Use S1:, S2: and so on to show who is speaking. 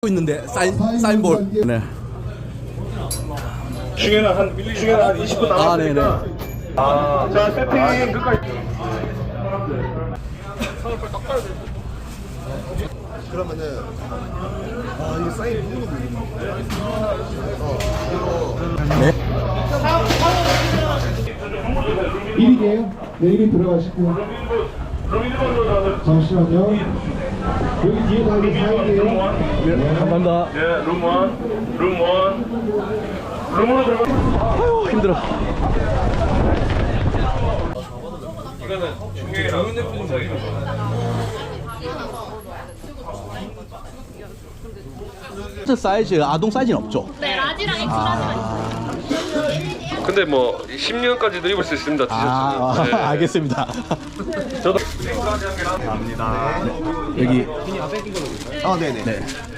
S1: 있는데 사인볼. 네.
S2: 중에는 한 20분 남았으니까.
S1: 아, 네네.
S2: 자, 세팅 끝까지.
S3: 그러면은 이게 사인 누구누구
S1: 네.
S4: 1인이에요? 네, 1인 들어가시고. 잠시만요. 여기 뒤에 가기 4인이에요.
S1: 네, 감사합니다.
S2: 예, 룸 1. 룸으로 들어가.
S1: 아유, 힘들어.
S2: 이거는 중계랑 대표님
S1: 사이즈, 아동 사이즈는 없죠?
S5: 네, 라지랑 엑스라지가 있어요.
S2: 근데 뭐 10년까지도 입을 수 있습니다. 티셔츠. 네.
S1: 알겠습니다.
S2: 저도
S1: 여기.
S3: 네네.
S1: 네.